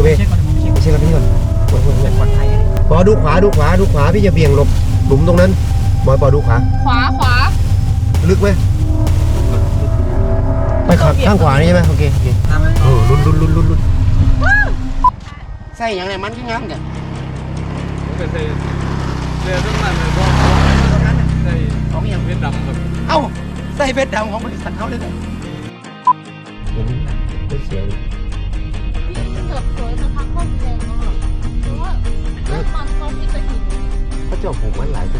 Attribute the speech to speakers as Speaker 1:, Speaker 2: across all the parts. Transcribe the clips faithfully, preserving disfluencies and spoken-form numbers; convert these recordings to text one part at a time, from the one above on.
Speaker 1: เว้ยไม่ใช่ครับพี่ก่อนปล่อยๆปอดูขวาดูขวาดูขวาพี่จะเบี่ยงหลบหลุมตรงนั้นบอยปอดูขวา
Speaker 2: ขวาขวา
Speaker 1: ลึกไหมไปขับข้างขวานี่ใช่ไหมโอเคโอเคเออลุ้นลุ้นลุ้นลุ้นลุ้นใส่อย่างไรมันที่งามเดี๋ยว
Speaker 3: ใส่เรือต้องมันเลยก็ใส่ของอย่างเบ็ดดำแบบ
Speaker 1: เอ้าใส่เบ็ดดำของบริษัทเขาเลยเนี่ยไม่เสียเลย
Speaker 2: พี่เกิดสวยสักพักก็แรงมากเพราะว่าเลือดมันเขาที่จะหิน
Speaker 1: เขาเจ้าผมมันหลายตัว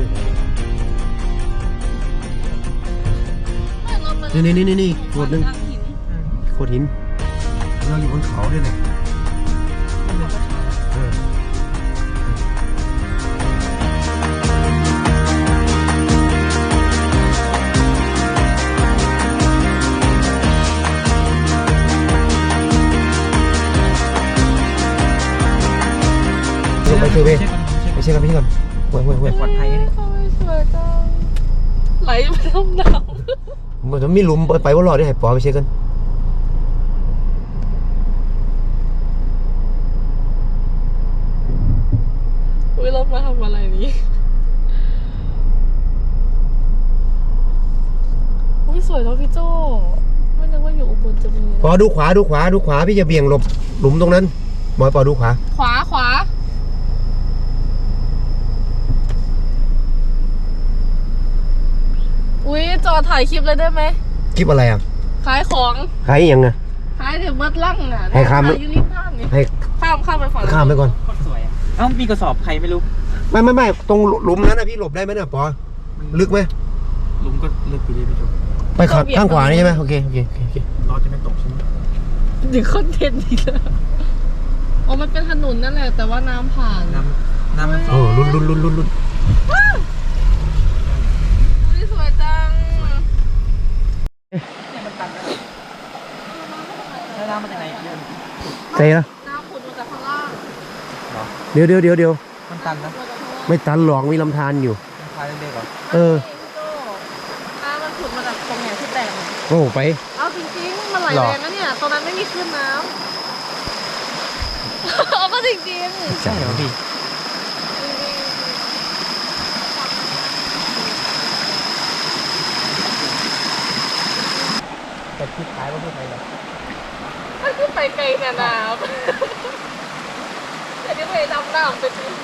Speaker 1: นี่นี่นี่นี่โคตรนึงโคตรหินเราอยู่บนเขาด้วยเนี่ยไปเซเว่นไปเช็คกันพี่ก่อนห่วยห่วยห่วยปลอดภัยเลย
Speaker 2: สวยจังไหลมาทำหนาว
Speaker 1: มันจะมีหลุมไปว่ารอได้ให้ปอไปเช็คกัน
Speaker 2: อุ้ยเรามาทำอะไรนี้อุ้ยสวยเนาะพี่โจ้ไม่นึกว่าอยู่อุบลจะมี
Speaker 1: ปอดูขวาดูขวาดูขวาพี่จะเบี่ยงหลบหลุมตรงนั้นบอยปอดูขวา
Speaker 2: ขวาขวาอุ้ยจอถ่ายคลิปเลยได้ไหม
Speaker 1: คลิปอะไรอ่ะ
Speaker 2: ขายของ
Speaker 1: ขายยังไง
Speaker 2: ขายเดี๋ยวเบิร์ดลั่งอ่ะ
Speaker 1: ให้ข้าม
Speaker 2: อยู่ริมท่านี่
Speaker 1: ให้
Speaker 2: ข้ามข้ามไปฝั่ง
Speaker 1: ข้ามไปก่อน
Speaker 3: สวยเอ้ามีกระสอบใครไม่รู้
Speaker 1: ไม่ไม่ไม่ตรงหลุมนั้นนะพี่หลบได้ไหมเนี่ยปอลึกไหม
Speaker 3: หลุมก็ลึกไปเลยพี่โจ
Speaker 1: ไปขับข้างขวานี่ใช่ไหมโอเคโอเคโอเค
Speaker 3: รอจะไม่ตกใช่ไหม
Speaker 2: ดึงคอนเทนต์อีกแล้วอ๋อมันเป็นถนนนั่นแหละแต่ว่าน้ำผ่าน
Speaker 3: น้ำน้ำมัน
Speaker 1: โอ้ลุ้นลุ้นลุ้นลุ้นลุ้น
Speaker 2: สวยจัง
Speaker 3: น้ำมาจากไหน
Speaker 1: ใช่นะ
Speaker 2: น้ำขุดมาจากข้างล่าง
Speaker 1: เดี๋ยวเดี๋ยวเดี๋ยวเดี๋ยว
Speaker 3: มันตันนะ
Speaker 1: ไม่ตันหรอกมีลำธารอยู่
Speaker 3: ลำธารเล็กๆเหรอ
Speaker 1: เออ
Speaker 2: น้ำมันขุดมาจากตรงไหนที่แตก
Speaker 1: โอ้ไป
Speaker 2: เอาจริงๆมันไหลแรงนะเนี่ยตรงนั้นไม่มีคลื่นน้ำเอาก็จริงๆ
Speaker 1: ใช่เหรอพี่แต่ที่ท้ายว่าไม่ไปหรอก
Speaker 2: มันขึ้นไปไกลขนาดแต่นี่ไปดำน้ำไปที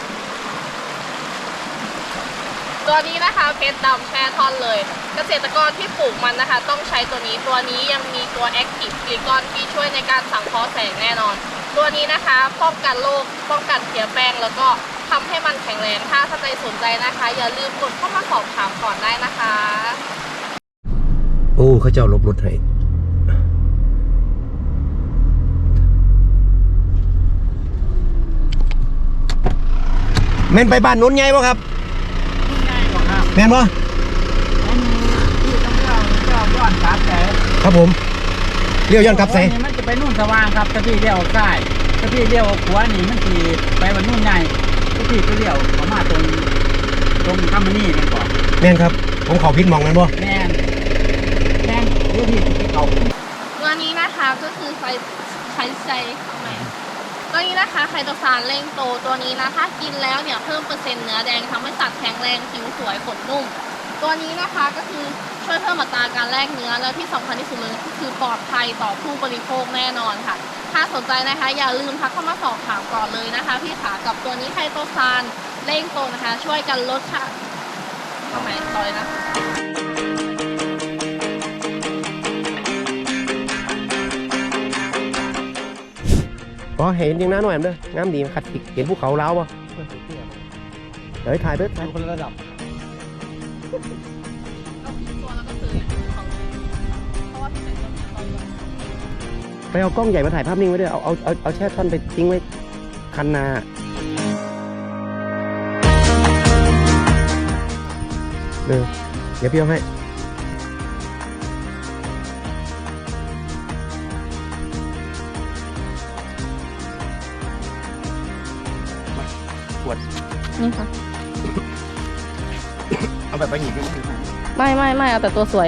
Speaker 2: ตัวนี้นะคะเพชรดำแช่ท่อนเลยเกษตรกรที่ปลูกมันนะคะต้องใช้ตัวนี้ตัวนี้ยังมีตัวแอคทีฟซิลิคอนที่ช่วยในการสังเคราะห์แสงแน่นอนตัวนี้นะคะป้องกันโรคป้องกันเสียแป้งแล้วก็ทำให้มันแข็งแรงถ้าท่านใดสนใจนะคะอย่าลืมกดเข้ามาสอบถามก่อนได้นะคะ
Speaker 1: โอ้เขาเจ้าลบรถให้แม่นไปบ้านนู้นไงวะครับแม่นวะ
Speaker 3: ย้อนกลับแต่
Speaker 1: ครับผมเลี้ยวย้อนกลับใส่
Speaker 3: มันจะไปนู่นสว่างครับถ้าพี่เลี้ยวซ้ายถ้าพี่เลี้ยวขวานี่มันทีไปวันนู่นใหญ่ถ้าพี่ก็เลี้ยวประมาณตรงตรงคำมันนี่แม่นก่อน
Speaker 1: แม่นครับผมเขาพิษมองนั่นบ่
Speaker 3: แม่นแม่นดูพี่ที่เขา
Speaker 2: ตัวนี้นะคะก็คือไฟไฟไซทำไมตัวนี้นะคะไคโตซานเร่งโตตัวนี้นะถ้ากินแล้วเนี่ยเพิ่มเปอร์เซ็นต์เนื้อแดงทำให้สัตว์แข็งแรงผิวสวยขนนุ่มตัวนี้นะคะก็คือช่วยเพิ่มอัตราการแลกเนื้อแล้วที่สำคัญที่สุดเลยคือปลอดภัยต่อผู้บริโภคแน่นอนค่ะถ้าสนใจนะคะอย่าลืมทักเข้ามาสอบถามก่อนเลยนะคะพี่ขากับตัวนี้ไคโตซานเร่งโตนะคะช่วยกันลดค่ะทำไมต่อยนะ
Speaker 1: อ๋อเห็นจริงนะหน่อยเด้องามดีขัดติเห็นภูเขาล้าวป่ะเดี๋ยวถ่ายเด้อถ่ายคนละระดับไปเอากล้องใหญ่มาถ่ายภาพนิ่งไว้ด้วยเอาเอาเอาเอาแช่ท่อนไปทิ้งไว้คันนาเออเดี๋ยวพี่เอาให้ขวด
Speaker 2: นี่ค่ะ
Speaker 1: เอาแบบไปหยิบ
Speaker 2: ไม่ไม่ไม่เอาแต่ตัวสวย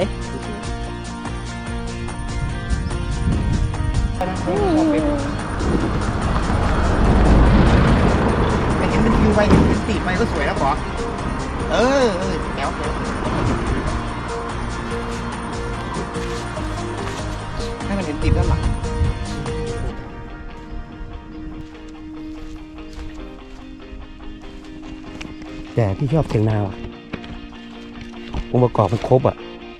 Speaker 1: ไปก็สวยนะปอเออเออแก้วแก้วให้มันเห็นติดด้านหลังแต่พี่ชอบเสียงนาว่ะองค์ประกอบมันครบอ่ะ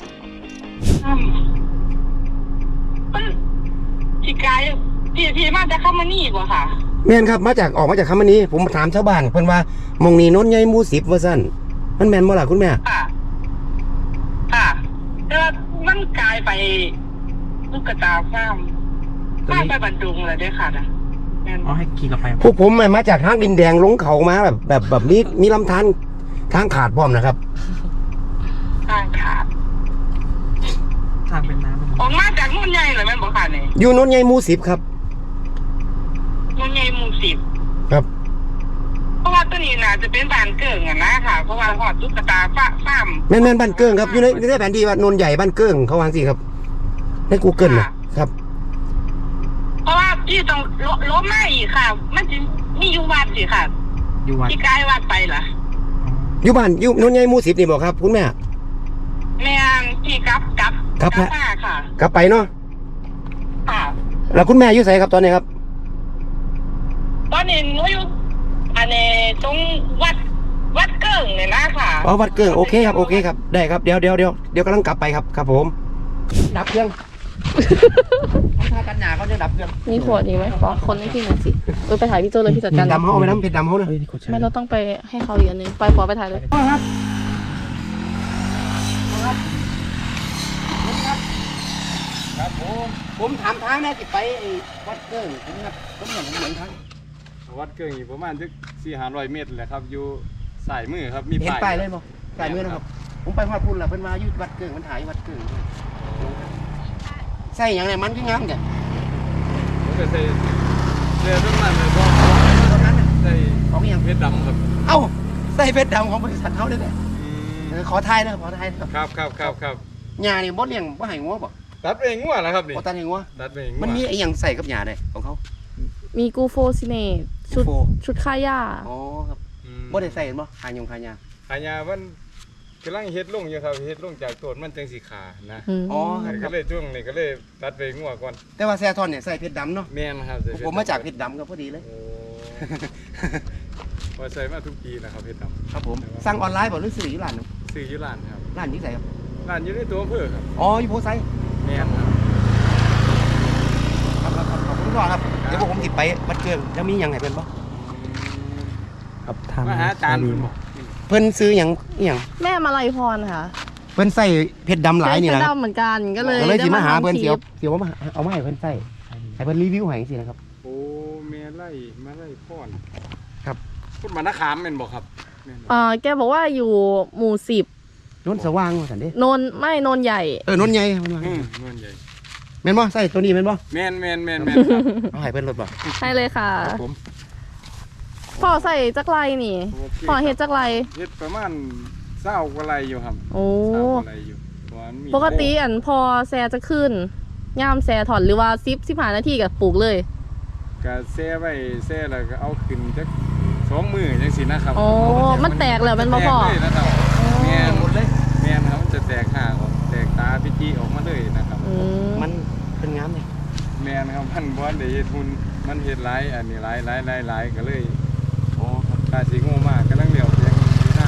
Speaker 4: พี่กายพี่พี่มาจะเข้ามานี่กว่าค่ะ
Speaker 1: แม่นครับมาจากออกมาจากคำนี้ผมถามชาวบ้านเพิ่นว่ามองนี้โน้นใหญ่หมู่สิบว่าซั่นมันแม่นบ่ล่ะคุณแม่
Speaker 4: ค่ะ ค่ะแต่ว่ามันกลายไปลูกกระตาฟ้ามฟ้ามไปบรรดุงเลยด้วยค่ะนะแม่น
Speaker 3: เอาให้ขี่กลับไป
Speaker 1: พวกผมมาจากทางดินแดงลงเขามาแบบแบบแบบนี้มีลำธารทางขาดพร้อมนะครับ
Speaker 4: ทางขาด
Speaker 3: ทางเป็นน้ำ
Speaker 4: ออกมาจากนุ่นใหญ่เลยแม่นบอกค่ะนี่
Speaker 1: อยู่โน้นใหญ่หมู่สิบครับ
Speaker 4: นุ่นใหญ่หมู่สิบ
Speaker 1: ครับ
Speaker 4: เพราะว่าตัวนี้น่าจะเป็นบ้านเกิงอะนะค่ะ เพราะว่าหอดลูกกระตาฟ้าฟ้าม
Speaker 1: แม่นแม่นบ้านเกิ้งครับอยู่ในในแผนที่ว่าโนนใหญ่บ้านเกิ้งเขาวางสิครับใน Google นะครับ
Speaker 4: เพราะว่าพี่ต้องลล้มมาอีกค่ะ มันจะมีอยู่วัดสิค่ะ
Speaker 3: อยู่วัด
Speaker 4: พี่กายวัดไปเหรอ
Speaker 1: อยู่บ้านอยู่โนนใหญ่หมู่สิบนี่บ่ครับคุณแม่
Speaker 4: แม่นพี่กลับกลับ
Speaker 1: ครับ
Speaker 4: กลับมาค่ะ
Speaker 1: กลับไปเนาะ
Speaker 4: ค่ะ
Speaker 1: แล้วคุณแม่อยู่ไสครับตอนนี้ครับ
Speaker 4: ตอนนี้หนูอยู่อันนี้ตรงวัดวัดเกิ่งเนี่ยนะค่ะ
Speaker 1: อ๋อวัดเกิ้งโอเคครับโอเคครับได้ครับเดี๋ยวเดี๋ยวเดี๋ยวเดี๋ยวกำลังกลับไปครับครับผมดับเครื่องถ้ากันหนาเขาจะดับเครื่อง
Speaker 2: มีขวดอีกไหมขอคนให้พี่หน่อยสิเออไปถ่ายพี่โจเลยพี่จัดการ
Speaker 1: ดำเขาเอาไปน้ำเพชรดำเขาเนอะ
Speaker 2: ไม่เราต้องไปให้เขาอีกอันนึงไปขอไปถ่ายเลย
Speaker 1: ครับครับผมผมถามทางนะจิไปไอ้วัดเกิ้งผมครับผมเหมือนเหมือนทาง
Speaker 5: วัดเกิงอยู่ประมาณสักสี่ห้าร้อยเมตรแหละครับ อยู่สายมือครับ มี
Speaker 1: เห็นป้ายเลยบ่ป้ายมือนะครับ ผมไปฮอดพุ่นล่ะเพิ่นมาอยู่วัดเกิ้งมันถ่ายวัดเกิ้งใส่หยังไงมันคืองามแก
Speaker 5: ผมก็ใส่เสื้อต้นนั้นเลยก็
Speaker 1: ตรงนั้นน่ะ
Speaker 5: ใส่
Speaker 1: ของอีหยัง
Speaker 5: เพชรดำครับ
Speaker 1: เอ้าใส่เพชรดำของบริษัทเขาเลยเนี่ย
Speaker 5: อืม
Speaker 1: เออขอทายนะขอทายนะครับ
Speaker 5: ครับครับครับ
Speaker 1: หญ้านี่บ่เลี้ยงบ่ให้งัวบ่
Speaker 5: ตัดเองงัวนะครับนี่
Speaker 1: บ่ตัดให้งัว
Speaker 5: ตัดเองงัว
Speaker 1: มันมีไอ้หยังใส่กับหญ้าได้ของเขา
Speaker 2: มีกูโฟซิเนตชุด
Speaker 1: กูโฟ
Speaker 2: ชุดค่าหญ้า
Speaker 1: อ๋อครับ
Speaker 5: อืม
Speaker 1: บ่ได้ใส่เห็นบ่หายงหายา
Speaker 5: ขายามันกำลังเฮ็ดลงอยู่ครับเฮ็ดลงจากต้นมันจังสีขานะ
Speaker 2: อืม
Speaker 1: อ๋อค
Speaker 5: ก็
Speaker 1: รับ
Speaker 5: เลยช่วงนี้ก็เลยตัดไปงัวก่อน
Speaker 1: แต่ว่าแซ่ทอนเนี่ยใส่เพชรดำเนาะ
Speaker 5: แม่นครับใส่เพชร
Speaker 1: ผมมาจากเพชรดำก็พอดีเลย
Speaker 5: โอ้ว่าใส่มาทุกปีนะครับเพชรด
Speaker 1: ครับผมสั่งออนไลน์บ่หรือซื้ออยู่ร้านเนาะ
Speaker 5: ำซื้ออยู่ร้านครับ
Speaker 1: ร้านนี้ใส่ครับ
Speaker 5: ร้านอยู่ในตัวอำเภอครับ
Speaker 1: อ๋ออยู่โพไซ
Speaker 5: แม่นครับ
Speaker 1: ครับครับครับขอบคุณก่อนครับเดี๋ยวพวกผมติดไปวัดเกิงแล้วมีหยังให้เพิ่นบ่
Speaker 3: ครับทาง
Speaker 5: มาหาอาจารย์
Speaker 3: ดี
Speaker 1: เพิ่นซื้อหยังอีหยัง
Speaker 2: แม่มาลัยพรค่ะ
Speaker 1: เพิ่นใส่เพชรดำหลายนี่
Speaker 2: เป็น
Speaker 1: นะครับ
Speaker 2: ดำเหมือนกันก็เลย
Speaker 1: ก็เลยสิมาหา
Speaker 2: ได้
Speaker 1: เพิ่น
Speaker 2: ทำ
Speaker 1: เสียว
Speaker 2: คลิป
Speaker 1: เสียวมาเอามาให้เพิ่นใส่ให้เพิ่นรีวิวให้จังซี่นะครับ
Speaker 5: โอ้เมไล่มาไล่พ่อน
Speaker 1: ครับ
Speaker 5: พูดมานาขามเป็นบอกครับแม่นบ่
Speaker 2: เอ่อแกบอกว่าอยู่หมู่สิบ
Speaker 1: นนสว่างว่าซั่นเด้
Speaker 2: โนนไม่โนนใหญ่
Speaker 1: เออนนใหญ่เพิ่นว่า
Speaker 5: อืมเงินใหญ่
Speaker 1: แม่นบ่ใส่ตัวนี้แม่นบ่
Speaker 5: แม่นแม่นแม่นแม่นครับ
Speaker 1: เอาให้เพิ่นรถบ่
Speaker 2: ให้เลยค่ะ
Speaker 1: ครับผม
Speaker 2: พ่อใส่จักไรนี่
Speaker 5: โอเค
Speaker 2: พ่อเฮ็ดจักไร
Speaker 5: เฮ็ดประมาณเศร้ากว่าไรอยู่ครับ
Speaker 2: โอ้
Speaker 5: เศร้ากว่าไรอยู่เพราะว่ามี
Speaker 2: ปกติอันพอแซจะขึ้นย่ามแซถอนหรือว่าซิปสิบหานาทีกับปลูกเลย
Speaker 5: ก็แซ่ไว้แซ่แล้วก็เอาขึ้นจักสองมือจังซี่นะครับ
Speaker 2: โอ้มันแตกแล้วมันบ่พอ
Speaker 5: แตกเลยนะครับแม่น
Speaker 1: หมดเลย
Speaker 5: แม่นครับมันจะแตกห่างออกแตกตาพิจิออกมาเลยนะครับ
Speaker 2: อืม
Speaker 1: มันเป็นงามเลย
Speaker 5: แม่นครับมันบ่ได้เฮ็ดหุ่นมันเฮ็ดหลายอันนี้หลายหลายหลายหลายก็เลย
Speaker 1: อ๋อครับ
Speaker 5: ตาสิโง่มากกำลังเลี้ยวเพียงที่หน้า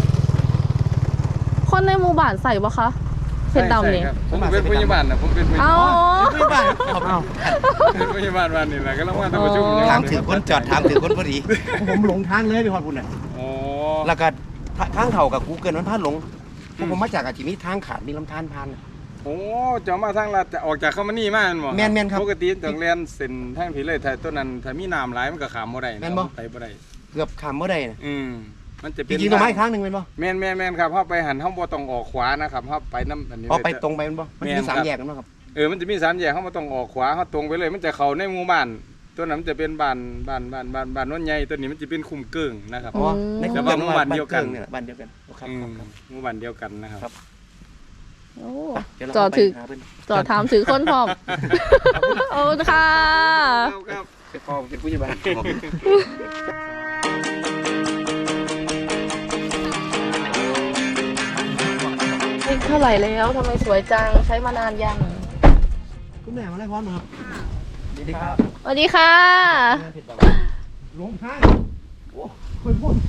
Speaker 2: คนในหมู่บ้านใส่ปะคะเพชรดำนี่
Speaker 5: ใช่ครับผมเป็นพยาบาลนะผมเป็นพยา
Speaker 2: เอา
Speaker 5: บาล
Speaker 1: ไม่บ้านครับเอา
Speaker 5: เป็นพยาบาลวันนี้แหละก็ต้องมาทำประชุม
Speaker 1: ถามถือคนจอดถามถือคนพอดี ผมหลงทางเลยไปฮอดพุ่นน่ะ
Speaker 5: โอ้
Speaker 1: แล้วก็ทางเขากับกูเกิลมันพลาดหลงเพราะผมมาจากอาชีพนี้ทางขาดมีลำธารผ่าน
Speaker 5: โอ้จะมาทางลัดจะออกจากเข้ามานี่มาแม่นบ่
Speaker 1: แม่นแม่นครับ
Speaker 5: ปกติต้องเรียนเส้นทางผีเลยถ้าต้นนั้นถ้ามีน้ำหลายมันก็ขามบ่ได้
Speaker 1: แม่นบ่
Speaker 5: ไปบ่ได้
Speaker 1: เกือบขามเมื่อใดนะ
Speaker 5: อืมมันจะ
Speaker 1: จ
Speaker 5: เป็น
Speaker 1: ริงๆต้องมาอีกครั้งหนึ่งเป็นป่ะ
Speaker 5: แม่นแม่นแม่นครับเฮาไปหันเฮาบ่ต้องออกขวานะครับเฮาไปน้ำอันนี้
Speaker 1: อ๋อ
Speaker 5: เลย
Speaker 1: ไปตรงไปเป็นป่ะมัน
Speaker 5: แม่น
Speaker 1: มีสาม
Speaker 5: ครับ
Speaker 1: แยกกันป่ะครับ
Speaker 5: เออมันจะมีสามแยกเฮาบ่ต้องออกขวาเฮาตรงไปเลยมันจะเข้าในหมู่บ้านตัวนั้นมันจะเป็นบ้านบ้านบ้านบ้านบ้านโน้นใหญ่ตัวนี้มันจะเป็นคุมเกิ่งนะครับ
Speaker 1: อ๋อใน
Speaker 5: แต่ว่าหมู่บ้านเดียวกัน
Speaker 1: เนี่ยบ้านเดียวกันครับ
Speaker 5: อืม
Speaker 1: ครับ
Speaker 5: หมู่บ้านเดียวกันนะครับ
Speaker 1: ครับ
Speaker 2: โอ้
Speaker 1: เยวเรา
Speaker 2: จอดถือ
Speaker 1: ไปหาเพิ่น
Speaker 2: จอดถามถือคนพร้อมโอ้ค่ะ
Speaker 5: ครับ
Speaker 1: เป็นพ่อเป็นผู้ใหญ่บ้าน
Speaker 2: เท่าไหร่แล้วทำไมสวยจังใช้มานานยัง
Speaker 1: คุณแม่มาได้พร้อมครับสวัสดีครับ
Speaker 2: สวัสดีค่ะ
Speaker 1: ลงท้ายโอ้คนพ่น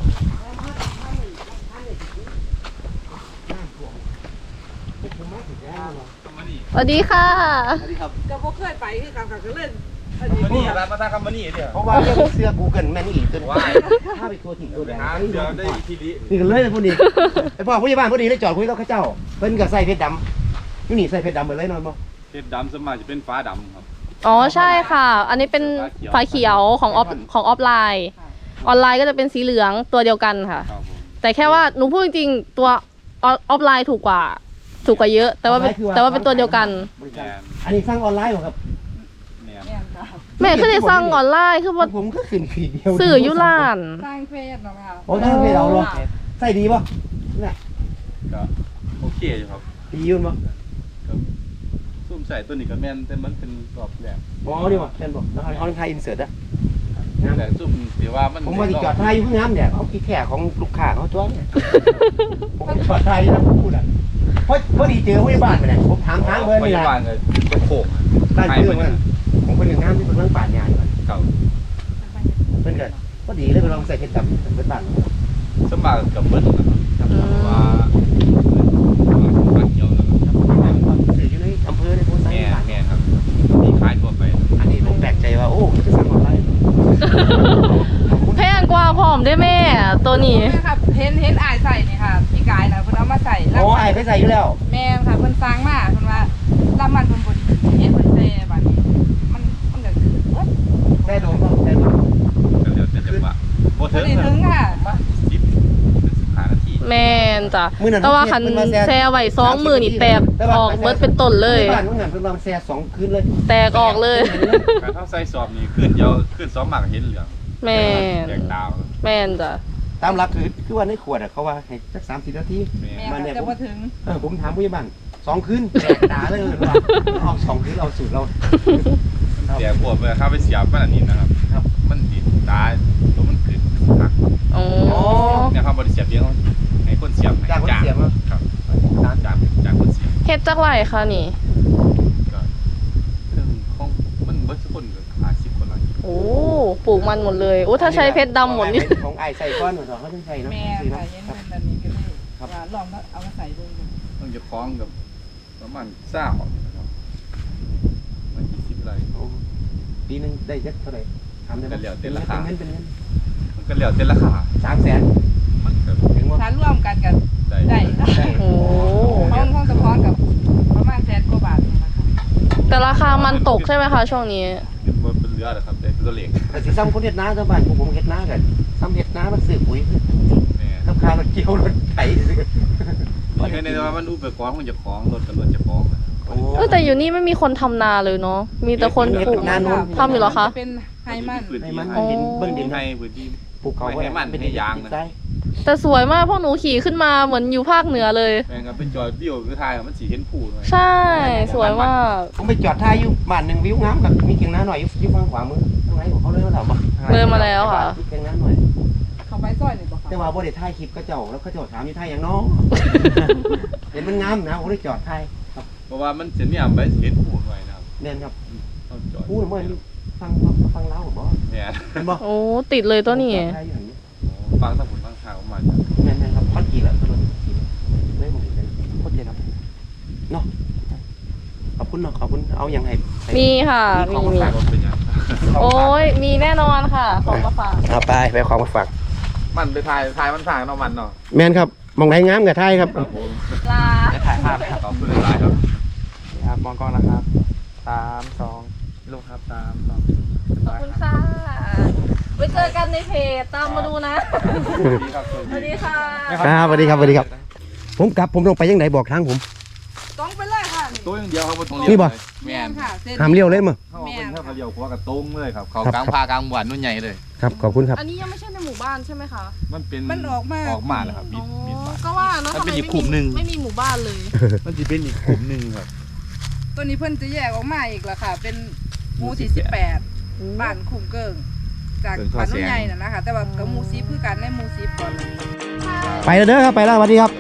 Speaker 2: สวัสดีค่ะ
Speaker 1: สวัสดีครับ
Speaker 6: ก็บ่เคยไปคือกันก็เล่น
Speaker 5: มานี่ร้านมาทางคำมานี่เนี่ย
Speaker 1: เพราะว่าเรื่องเสื้อกูเกิลแม่นอีกตัวถ้าไปตัวถิ่นตัวแดง
Speaker 5: หาเดี๋ยวได้ทีนี้
Speaker 1: นี่กันเลยพอดีไอพ่อผู้ใหญ่บ้านพอดีเลยจอดคุยกับข้าเจ้าเพิ่นกับใส่เพชรดำนี่นี่ใส่เพชรดำเหมือนเลยนอนบ่
Speaker 5: เพชรดำสวนมากจะเป็นฟ้าดำครับ
Speaker 2: อ๋อใช่ค่ะ อันนี้เป็นไฟเขียวของออฟของออฟไลน์ ออนไลน์ก็จะเป็นสีเหลืองตัวเดียวกันค่ะ
Speaker 5: ครับผม
Speaker 2: แต่แค่ว่าหนูพูดจริงๆตัวออฟไลน์ถูกกว่า ถูกกว่าเยอะ แต่ว่าเป็นแต่ว่าเป็นตัวเดียวกัน
Speaker 5: แมน
Speaker 1: อันนี้สร้างออนไลน์เหรอครับ
Speaker 5: แมน
Speaker 6: แม่นค่ะ
Speaker 2: แม่ขึ้นในสั่งออนไลน์คือว่า
Speaker 1: ผมก็ขึ้นฟีดเดียว
Speaker 2: สื่อยุลาน
Speaker 6: สร้างเฟซเนาะค่ะ
Speaker 1: โอ้ตั้งเพจเอาเหรอใส่ดีป่ะเนี่ย
Speaker 5: ก็โอเคอยู่ครับ
Speaker 1: ดียุ่นป่ะ
Speaker 5: ก็ซุ่มใส่ตัวนี้ก็แมนแต่มันเป็นรอบแรก
Speaker 1: อ๋อดีป่ะแม่นป่ะแล้วเขาไทยอินเสิร์ตอะ
Speaker 5: แต่ซุ่มเดี๋ยวว่ามัน
Speaker 1: ผมมาติดจอดไทยอยู่ข้างน้ำเนี่ยเขาคิดแค่ของลูกค้าเขาจ้วเนี่ยผมจอดไทยนะพูดอ่ะเพราะพอดีเจอผู้ใหญ่บ้านไปเนี่ยผมถามทางเบอร์
Speaker 5: พ
Speaker 1: นี่แห
Speaker 5: ยา
Speaker 1: ละ
Speaker 5: บาลเลยตัวโขก
Speaker 1: ได้เรื่องมันผมเป็นหนึ่งน้ำที่เป็นเรื่องป่านยาอยู่
Speaker 5: เก่า
Speaker 1: เพื่อนกันพอดีเลยไปลองใส่เพชรดำเป็นบ้าน
Speaker 5: สวนมากกับเบิ้ลนะครับว่าฟ้าเขียวนะครับ
Speaker 1: สื่ออยู่ในอำเภอในโพสต์
Speaker 5: แม่แม่ครับมีขายทั่วไป
Speaker 1: อันนี้ผมแปลกใจว่าโอ้จะสั่งออนไลน์
Speaker 2: แพงกว่าพร้อมได้แม่ ตัวนี้
Speaker 6: แม่ค่ะเห็นเห็นอายใส่นี่ค่ะพี่กายนะเพิ่นเอามาใส่แล้ว
Speaker 1: โอ้ไอ้ไปใส่อยู่แล้ว
Speaker 6: แม่นค่ะเพิ่นสร้างมาเพิ่นว่าลำมันเพิ่นบ่ดีเห็นเพิ่นแซ่บัดนี้มันมันก็คือเบิด
Speaker 1: แม่โดนก็แม่โดน
Speaker 5: ก็เดี๋ยวจะจังหวะโบ
Speaker 6: บ่
Speaker 5: เทิ
Speaker 6: ได้ถึงค่ะ
Speaker 5: สิบสิบห้านาที
Speaker 2: แม่นจ้ะแต่ว่าคันแซ่ไว้สองมือนี่แตกออกเบิดเป็นต้นเลย
Speaker 1: บ้านเมื่อไงเพิ่งลองแซ่สองคืนเลย
Speaker 2: แตกออกเลย
Speaker 5: การเข้าใส่สอบนี่ขึ้นเดียวขึ้นสองหมากเห็นเหลือง
Speaker 2: แม่น
Speaker 5: แดงดาว
Speaker 2: แม่นจ้ะ
Speaker 1: ตามหลักคือคือว่าในขวดเขาว่าให้สักสามสิบนาที
Speaker 5: แม่
Speaker 6: แม่ค่ะจะบ่ถึง
Speaker 1: เออผมถามผู้ใหญ่บ้านสองคืนแตกตาเลยว่าเอาสองคืนเอาสูตรเรา
Speaker 5: เสียบวกไปเข้าไปเสียบมันอันนี้นะครับ
Speaker 1: ครับ
Speaker 5: มันดิตาตัวมันขึ้นหัก
Speaker 2: โอ้
Speaker 5: เนี่ยครับบริเสียบเดียวให้คนเสียบให้
Speaker 1: จากคนเสียบเนอะ
Speaker 5: ครับจากจากคนเสียบ
Speaker 2: เฮ็ดจักไรคะนี่
Speaker 5: ก็เครื่องของมันเบิร์ดคนก็ห้าสิบคนละ
Speaker 2: โอ้ปลูกมันหมดเลยโอ้ถ้าใช้เพชรดำหมดนี่
Speaker 1: ของไอ้ใส่ก้อนเหมือนเขาต้องใส่เนาะ
Speaker 6: แม่
Speaker 1: สิ
Speaker 6: ค่ะ
Speaker 1: เนาะ
Speaker 6: เห็น
Speaker 1: ครับ
Speaker 6: เพิ่นอันนี้ก็เลยว่าลองเอามาใส่ดู
Speaker 5: ต้องจะคล้องกับประมาณเศร้านะครับมันยี่สิบไร
Speaker 1: โอ้ปีนึงได้เยอะเท่าไหร่ทำได้ไหม
Speaker 5: ก็เหลือเต็มราคา
Speaker 1: เป็นเงินเป็นเงิน
Speaker 5: มันก็เหลือเต็มราคา
Speaker 1: สามแสน
Speaker 5: มันก็
Speaker 1: ถึงว่า
Speaker 6: ถ้ารวมกันกัน
Speaker 5: ได้
Speaker 6: ได้ค่ะ
Speaker 1: ได้
Speaker 2: โอ้
Speaker 6: ห้องห้องสะพอนกับประมาณแสนกว่าบาทนี่นะคะ
Speaker 2: แต่ราคามันตกใช่ไหมคะช่วงนี้
Speaker 5: มันเป็นเรือเหรอครับเป็นตัวเล็ก
Speaker 1: แต่สิซ้ำคนเฮ็ดนาชาวบ้านพวกผมเฮ็ดนากันซ้ำเฮ็ดนามันซื้อปุ๋ย
Speaker 5: แม่
Speaker 1: น้ำค้ารถเกี่ยวรถไถซื้อ
Speaker 5: นี่ก็ในว่ามันอุปกรณ์มันจะคล้องรถกับรถจะคล้องนะ
Speaker 1: โอ้
Speaker 2: เออแต่อยู่นี่ไม่มีคนทำนาเลยเนาะมีแต่คนปลูก
Speaker 1: นาโน้น
Speaker 2: ทำอยู่เหรอคะ
Speaker 6: เป็นไฮมัน
Speaker 5: พื้น
Speaker 1: ให้
Speaker 5: ที่
Speaker 1: มัน
Speaker 5: ให้
Speaker 1: ดินเบิ่งดิน
Speaker 5: ให้พื้นที่
Speaker 1: ปลูกเขา
Speaker 5: ให้มันให้ยางนะ
Speaker 1: ใช่
Speaker 2: แต่สวยมากพวกหนูขี่ขึ้นมาเหมือนอยู่ภาคเหนือเลย
Speaker 5: แม่งก็เป็นจอยวิวคือทายมันสีเห็นผู้หน่อย
Speaker 2: ใช่สวยมาก
Speaker 1: ผมไปจอดท้ายอยู่บ้านหนึ่งวิวงามกับมีเกียงนาหน่อยอยู่อยู่ฝั่งขวามือตรงไหนของเขาเลยว่าเราบ่
Speaker 2: เดินมาแล้วค่ะ
Speaker 1: มีเกียงนาหน่อย
Speaker 6: เขาไปซอยนี่บ่คะ
Speaker 1: แต่ว่าบ่ได้ถ่ายคลิปก็เจ้าแล้วก็เจ้าถามอยู่ถ่ายอย่างน้อง เห็นมันงามนะผมได้จอดถ่ายครับ
Speaker 5: เพราะว่ามันจะมีอ่ะไปเห็นผู้หน่อยนะครับ
Speaker 1: แม่นครับ
Speaker 5: ต้องจอด
Speaker 1: พูดว่าฟังฟังเล่าบ่
Speaker 5: แม่
Speaker 1: เห็นบ่
Speaker 2: โอ้ติดเลยตัวนี้
Speaker 1: จอดถ่ายอยู่หั่นนี่
Speaker 5: ฟังทั้งผลฟังทางออกมา
Speaker 1: แม่นๆครับคอนกรีตแหละถนนกรีตไม่ผมเห็นโคตรเจ๋งครับเนาะขอบคุณเนาะขอบคุณเอาอย่างให้ให้
Speaker 2: มีค่ะ
Speaker 1: มี
Speaker 2: มี
Speaker 1: ของ
Speaker 2: มี
Speaker 1: ฝาก
Speaker 5: รถเป็นยัง
Speaker 2: โอ้ยมีแน่นอนค่ะของมาฝาก
Speaker 1: เอาไปไปของมาฝาก
Speaker 5: มันไปทายทายมันทางเนาะมันเนาะ
Speaker 1: แม่นครับมองไหนงามกับถ่ายครับ
Speaker 5: ครับผม
Speaker 2: ลา
Speaker 5: ถ่ายภาพขอบคุณหลายครับ
Speaker 3: ครับมองกล้องนะครับสามสองลูกครับสามสอง
Speaker 2: ขอบคุณค่ะไว้เจอกันในเพจตามมาดูนะ
Speaker 5: ดีครับ
Speaker 2: สวัสดีค่ะ
Speaker 1: ครับสวัสดีครับสวัสดีครับ ผมกลับผมต้องไปยังไหนบอกทางผม
Speaker 6: ต้องไปเลยค่ะนี่
Speaker 5: ตัวอย่างเดียวครับตรง
Speaker 1: นี่บ่
Speaker 5: แม่น
Speaker 6: ค่ะเส้น
Speaker 1: หามเลี้ยวเลยมั้ง
Speaker 5: เขาเป็นเท่ากับเดียวหัวกับตรงเลยครับเขา
Speaker 1: ครับ
Speaker 5: กลางพากลางหวานนุ่นใหญ่เลย
Speaker 1: ครับขอบคุณครับ
Speaker 2: อันนี้ยังไม่ใช่ในหมู่บ้านใช่ไหมคะ
Speaker 5: มันเป็น
Speaker 6: มันออกมา
Speaker 5: ออกมาแล้วครับมี
Speaker 2: อ๋อ
Speaker 5: มีบ้าน
Speaker 2: ก็ว่าแล้ว
Speaker 5: มัน
Speaker 2: ทำ
Speaker 5: เป็
Speaker 2: ไม
Speaker 5: นอี
Speaker 2: ไม่
Speaker 5: กกลุ่มหนึ่
Speaker 2: มี
Speaker 5: ง
Speaker 2: ไม่มีหมู่บ้านเลย
Speaker 5: มันจะเป็นอีกกลุ่มหนึ่งครับ
Speaker 6: ตัวนี้เพิ่นจะแยกออกมาอีกแล้วค่ะ เป็นหมู่สี่สิบแปดบ้านคุ้มเกิงจากบ้านนุ่นใหญ่น่ะนะคะแต่ว่ากับหมู่ซีคือกันในหมู่ซีก่อน
Speaker 1: ไปแล้วเด้อครับไปแล้วสวัสดีครับ
Speaker 6: ค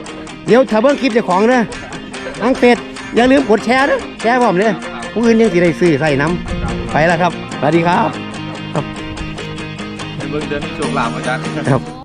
Speaker 1: เดี๋ยวถ้าเบิ่งคลิปเจ้าของนะทางเฟซอย่าลืมกดแชร์นะแชร์พร้อมเลยผู้อื่นยังสิได้ซื้อใส่น้ำไปแล้วครับสวัสดีครับ
Speaker 5: เบิ่งเดินโชคลาภอาจารย์
Speaker 1: ครับ